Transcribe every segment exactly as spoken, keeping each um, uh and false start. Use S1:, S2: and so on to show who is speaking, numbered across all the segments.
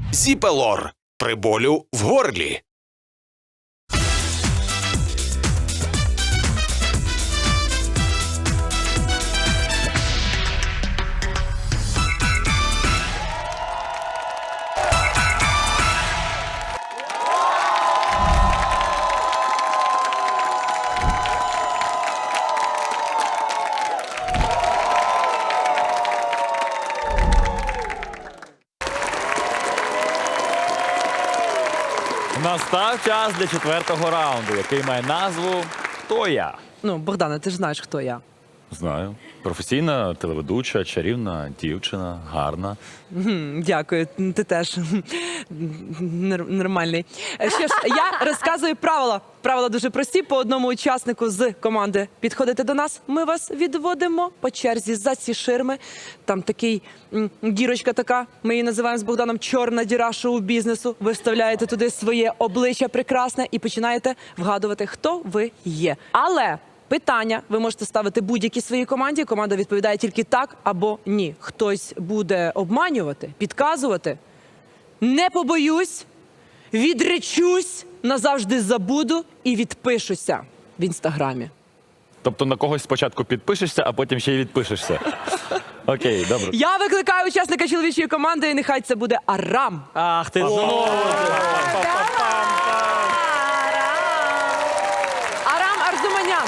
S1: Зіпелор при болю в горлі.
S2: Настав час для четвертого раунду, який має назву «Хто я?».
S3: Ну, Богдане, ти ж знаєш, хто я.
S2: Знаю. Професійна телеведуча, чарівна дівчина, гарна.
S3: М, Дякую, ти теж Нор- нормальний. Е, Що ж, я розказую правила. Правила дуже прості. По одному учаснику з команди підходите до нас. Ми вас відводимо по черзі за ці ширми. Там такий м, дірочка така. Ми її називаємо з Богданом чорна діра шоу-бізнесу. Ви вставляєте туди своє обличчя прекрасне і починаєте вгадувати, хто ви є. Але питання ви можете ставити будь-якій своїй команді. Команда відповідає тільки так або ні. Хтось буде обманювати, підказувати. Не побоюсь, відречусь, назавжди забуду і відпишуся в інстаграмі.
S2: Тобто на когось спочатку підпишешся, а потім ще й відпишешся. Окей, добре.
S3: Я викликаю учасника чоловічої команди, і нехай це буде Арам.
S2: Ах ти знову!
S3: Арам Арзуманян.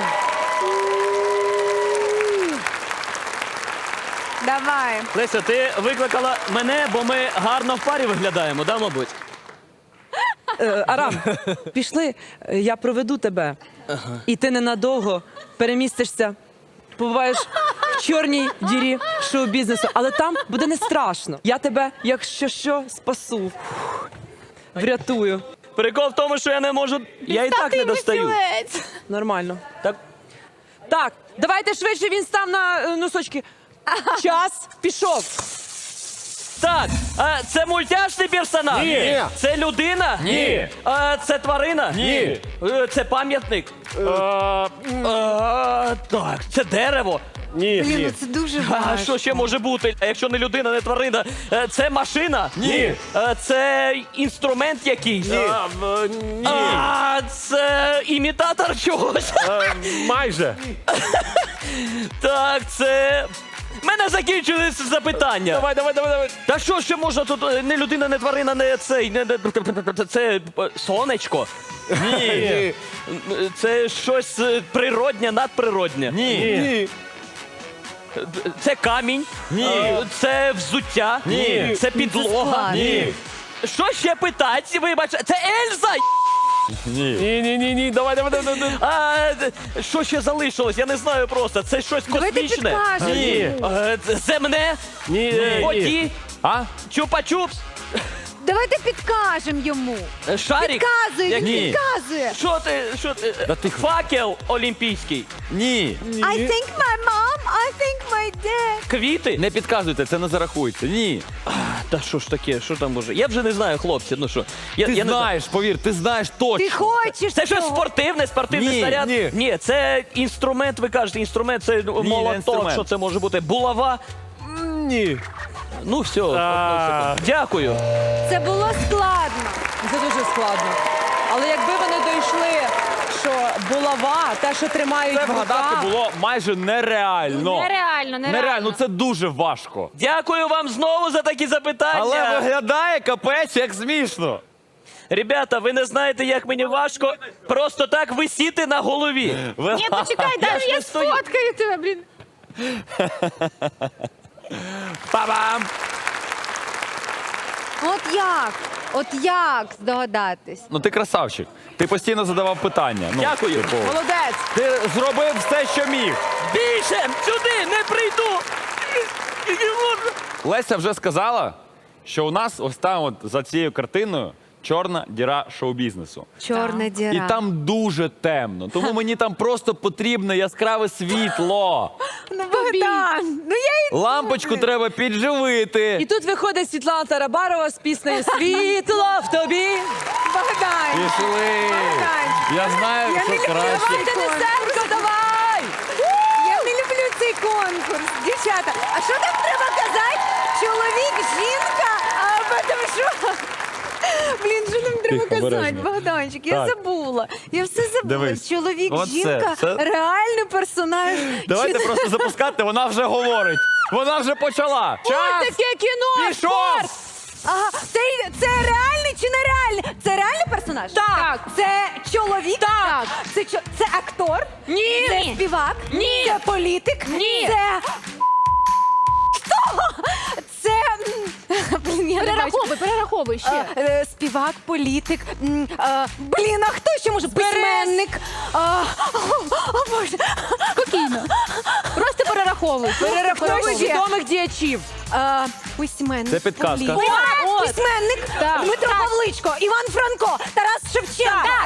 S4: Давай.
S5: Леся, ти викликала мене, бо ми гарно в парі виглядаємо, да, мабуть?
S3: Е, Арам, пішли, е, я проведу тебе. І ти ненадовго перемістишся, побуваєш в чорній дірі шоу-бізнесу. Але там буде не страшно. Я тебе, якщо що, спасу. Врятую.
S5: Прикол в тому, що я не можу. Я і так не достаю.
S3: Нормально.
S5: Так,
S3: Так, давайте швидше, він став на е, носочки. Час пішов.
S5: так, а це мультяшний персонаж?
S2: Ні.
S5: Це людина?
S2: Ні.
S5: А, це тварина?
S2: Ні.
S5: Е, Це пам'ятник? Е, Так, це дерево?
S2: Ні,
S4: Блін, ну це дуже
S5: А
S4: важко.
S5: що ще може бути? А якщо не людина, не тварина? Е, Це машина?
S2: Ні.
S5: Е, Це інструмент якийсь?
S2: Ні.
S5: А, А, це імітатор чогось?
S2: Майже.
S5: Так, це. В мене закінчились запитання.
S2: Давай, давай, давай, давай.
S5: Та що ще можна тут? е, Не людина, не тварина, не цей. Не, не, це е, сонечко.
S2: Ні.
S5: Це щось е, природнє, надприроднє.
S2: Ні.
S5: Це камінь.
S2: Ні.
S5: Е, Це взуття.
S2: Ні.
S5: Це підлога.
S4: складно.
S2: Ні.
S5: Що ще питати? Вибач, це Ельза.
S2: Ні. Ні, ні, ні, ні, давай, давай, давай, давай.
S5: А, е, що ще залишилось? Я не знаю просто. Це щось
S4: Давайте
S5: космічне.
S4: підкажемо.
S2: Ні.
S5: Е, це Земне.
S2: Ні.
S5: Воді.
S2: А?
S5: Чупа-чупс.
S4: Давайте підкажемо йому.
S5: Е, Шарик.
S4: Підказує, він
S2: Ні.
S4: підказує.
S5: Що ти? Що ти?
S2: Да ти-
S5: Факел олімпійський.
S2: Ні.
S4: I think my mom, I think my dad.
S5: Квіти?
S2: Не підказуйте, це не зарахується. Ні.
S5: Та що ж таке? Що там може? Я вже не знаю, хлопці. Ну що? Я,
S2: Ти
S5: я не знаю.
S2: знаєш, повір, ти знаєш точно.
S4: Ти хочеш
S5: Це щось
S4: цього?
S5: спортивне, спортивний
S2: Ні,
S5: снаряд?
S2: ні.
S5: це інструмент, ви кажете, інструмент, це ну,
S2: не
S5: молоток,
S2: інструмент.
S5: що це може бути? Булава?
S2: Ні.
S5: Ну все, одну секунду. Дякую.
S4: Це було складно.
S3: Це дуже складно. Але якби вони дійшли, що булава, те, що тримають
S2: Це
S3: в
S2: вгадати
S3: руках,
S2: було майже нереально.
S4: Нереально, нереально.
S2: Нереально, ну це дуже важко.
S5: Дякую вам знову за такі запитання.
S2: Але виглядає капець, як смішно.
S5: Ребята, ви не знаєте, як мені важко просто так висіти на голові.
S4: Ні, почекай, дай
S5: ж
S4: я
S5: не стою.
S4: сфоткаю тебе, блін.
S2: Па-бам!
S4: От як? От як здогадатись?
S2: Ну ти красавчик. Ти постійно задавав питання. Ну,
S5: Дякую.
S2: типу,
S3: молодець.
S2: ти зробив все, що міг.
S5: Більше сюди не прийду. Не можу.
S2: Леся вже сказала, що у нас ось там от за цією картиною чорна діра шоу-бізнесу.
S4: Чорна діра.
S2: І там дуже темно. Тому мені там просто потрібне яскраве світло.
S4: Ну, Богдан, ну я і...
S2: Лампочку треба підживити.
S3: І тут виходить Світлана Тарабарова з піснею «Світло в тобі».
S4: Богдан.
S2: Пішли.
S4: Богданчик.
S2: Я знаю,
S4: Я
S2: що
S4: не люблю
S2: краще.
S3: Давайте несемко, давай!
S4: Я не люблю цей конкурс. Дівчата, а що там треба казати? Чоловік, жінка, а потім що?
S6: йому казати,
S2: обережно.
S6: Богданчик, я
S2: Так.
S6: забула. Я все забула.
S2: Дивись.
S6: Чоловік,
S2: Оце,
S6: жінка,
S2: це-
S6: реальний персонаж.
S2: Давайте
S6: Чи-
S2: просто запускати, вона вже говорить. Вона вже почала.
S3: Ой,
S2: Час
S3: таке кіно!
S2: пішов!
S3: спорт!
S6: Ага, це, це реальний чи нереальний? Це реальний персонаж?
S3: Так.
S6: Це чоловік?
S3: Так.
S6: Це, чо- це актор?
S3: Ні.
S6: Це співак?
S3: Ні.
S6: Це політик?
S3: Ні.
S6: Це... Хто? Це... м, Блін, я не бачу.
S7: Перераховуй, перераховуй ще.
S6: А, е, співак, політик. м, а, Блін, а хто ще може? Письменник. А, О, о, Боже.
S7: Спокійно. Просто перераховуй. просто
S6: Перераховуй.
S7: перераховуй.
S6: ще.
S3: Відомих діячів.
S6: А, Письменник.
S2: Це підказка.
S6: політик.
S3: От, от.
S6: Письменник.
S7: Так.
S6: Дмитро Павличко, Іван Франко, Тарас Шевченко.
S3: Так.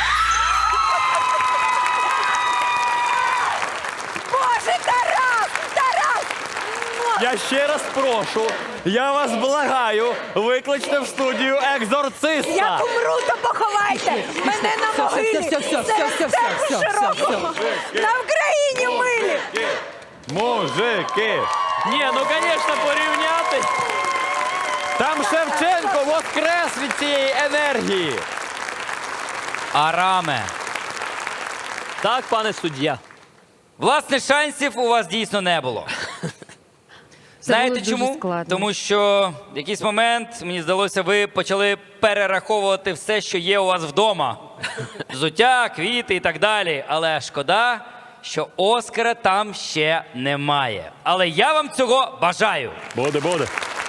S6: Боже, Тарас! Тарас!
S2: Я ще раз прошу, я вас благаю, викличте в студію екзорциста.
S6: Як умру, то поховайте! Мене на
S3: Все,
S6: могилі!
S3: все, все, все,
S6: Це
S3: все, все,
S6: все
S3: все, все,
S6: широкого. На Україні милі!
S2: Мужики!
S5: Ні, ну, звісно, порівняти.
S2: Там Шевченко воскрес від цієї енергії.
S8: Араме.
S5: Так, пане суддя.
S8: Власне, шансів у вас дійсно не було. Знаєте
S6: було дуже
S8: чому?
S6: складно.
S8: Тому що в якийсь момент, мені здалося, ви почали перераховувати все, що є у вас вдома. Взуття, квіти і так далі. Але шкода, що Оскара там ще немає. Але я вам цього бажаю.
S2: Буде, буде.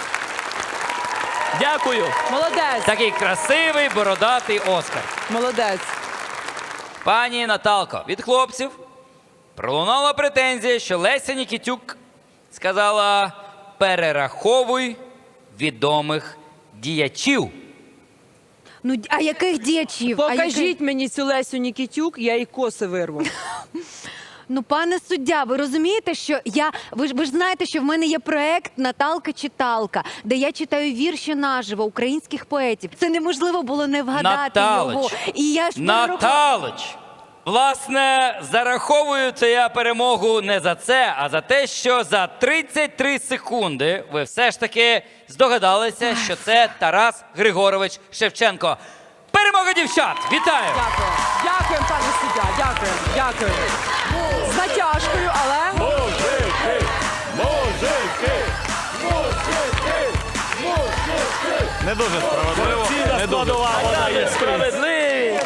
S5: Дякую.
S3: Молодець,
S8: Такий красивий, бородатий Оскар.
S3: молодець.
S8: Пані Наталко, від хлопців пролунала претензія, що Леся Нікітюк сказала «перераховуй відомих діячів».
S6: Ну, а яких діячів? А яких-
S3: Покажіть мені цю Лесю Нікітюк, я їй коси вирву.
S6: Ну, пане суддя, ви розумієте, що я. Ви ж ви ж знаєте, що в мене є проект Наталка-читалка, де я читаю вірші наживо українських поетів. Це неможливо було не вгадати
S8: Наталич,
S6: його. І я ж перерахувала-
S8: Наталич, власне, зараховую це я перемогу не за це, а за те, що за тридцять три секунди ви все ж таки здогадалися, що це Тарас Григорович Шевченко. Перемога дівчат! Вітаю!
S3: Дякую. Дякую, пане суддя, дякую, дякую. З натяжкою, але...
S2: Мужики! Мужики! Мужики! Мужики! Не дуже справедливо. Не дуже.
S5: Вона є справедливість.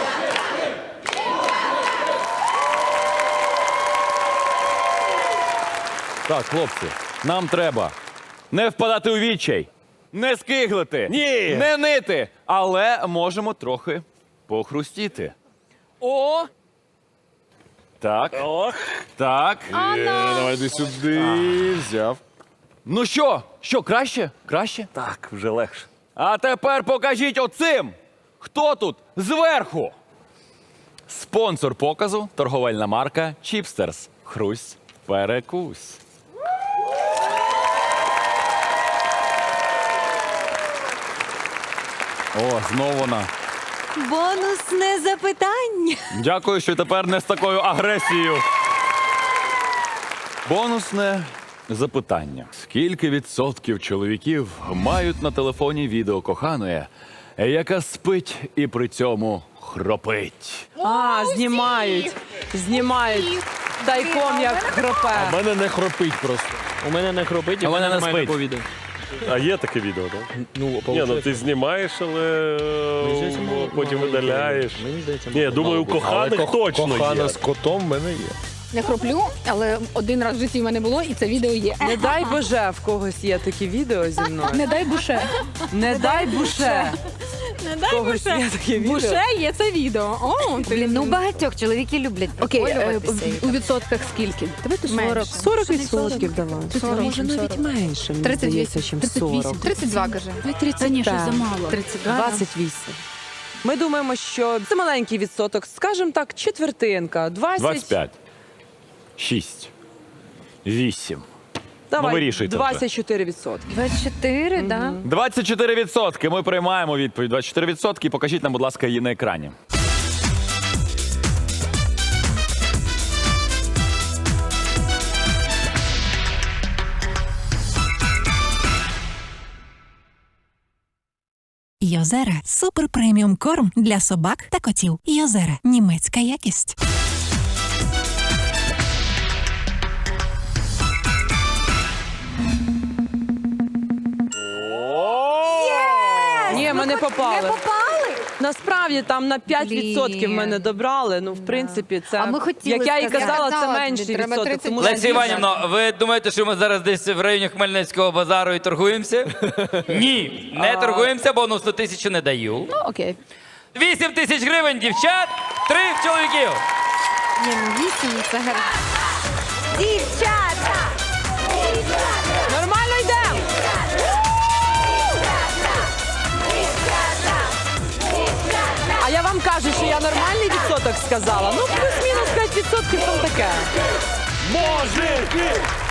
S2: Так, хлопці, нам треба не впадати у відчай, не скиглити,
S1: Ні.
S2: не нити, але можемо трохи похрустіти.
S3: О,
S2: Так, так.
S1: Давай йди сюди. Взяв.
S2: Ну що, що, краще? Краще?
S1: Так, вже легше.
S2: А тепер покажіть оцим, хто тут зверху. Спонсор показу – торговельна марка Чіпстерс. Хрусь, перекусь. О, знову вона.
S6: Бонусне запитання.
S2: Дякую, що тепер не з такою агресією. Бонусне запитання. Скільки відсотків чоловіків мають на телефоні відео коханої, яка спить і при цьому хропить?
S3: а, знімають, знімають. Тайком як хропе.
S1: У мене не хропить просто.
S5: У мене не хробить,
S2: А
S5: і в
S2: мене
S5: мене
S2: не
S5: немає
S2: спить.
S5: такого відео.
S1: А є таке відео, так?
S5: Ну,
S1: Ні, ну ти знімаєш, але е, потім видаляєш.
S5: Мені здається,
S1: Ні, думаю, у коханих точно
S9: Кохана
S1: є.
S9: з котом в мене є.
S7: Не хроплю, але один раз в житті в мене було, і це відео є.
S3: Не дай Боже, в когось є такі відео зі мною.
S7: Не дай буше.
S3: Не дай Буше.
S7: Не
S3: В
S7: дай
S3: когось є таке відео.
S7: Буше є це відео. О, ти-
S6: Блін, ну багатьох чоловіки люблять
S7: Окей, е,
S6: приколюватися.
S7: в- у відсотках скільки? Давайте сорок.
S3: сорок відсотків давай.
S7: сорок,
S3: Може навіть
S7: сорок.
S3: менше, мені
S7: тридцять
S3: здається,
S7: вісім.
S3: чим сорок.
S7: тридцять два, каже.
S3: Та ні,
S7: щось замало.
S3: тридцять два. двадцять вісім. Ми думаємо, що це маленький відсоток, скажімо так, четвертинка, двадцять.
S2: двадцять п'ять. шість. вісім.
S3: Давай,
S2: Ну, вирішуйте вже.
S3: двадцять чотири відсотки.
S6: двадцять чотири, так? Да?
S2: двадцять чотири відсотки. Ми приймаємо відповідь. двадцять чотири відсотки. Покажіть нам, будь ласка, її на екрані.
S9: Йозера – супер преміум корм для собак та котів. Йозера – німецька якість.
S3: Ні, ми не попали.
S6: Не попали?
S3: Насправді там на п'ять відсотків
S6: Блін.
S3: мене добрали. Ну, в принципі, це
S6: А ми хотіли
S3: як я і
S6: сказати.
S3: казала, це
S7: Казала,
S3: менший
S7: тобі треба
S3: відсоток. Тому
S8: Лесі
S3: що
S8: Іванівно, ви думаєте, що ми зараз десь в районі Хмельницького базару і торгуємося? Ні, не торгуємося, бонусну тисячу не даю.
S7: Ну, окей.
S8: Вісім тисяч гривень, дівчат, три в чоловіків.
S6: Ні, ну вісім це гарно. Дівчата!
S3: нормально йдемо. А я вам кажу, що я нормальний відсоток сказала. Ну, плюс-мінус п'ять відсотків там таке.
S1: Мужики!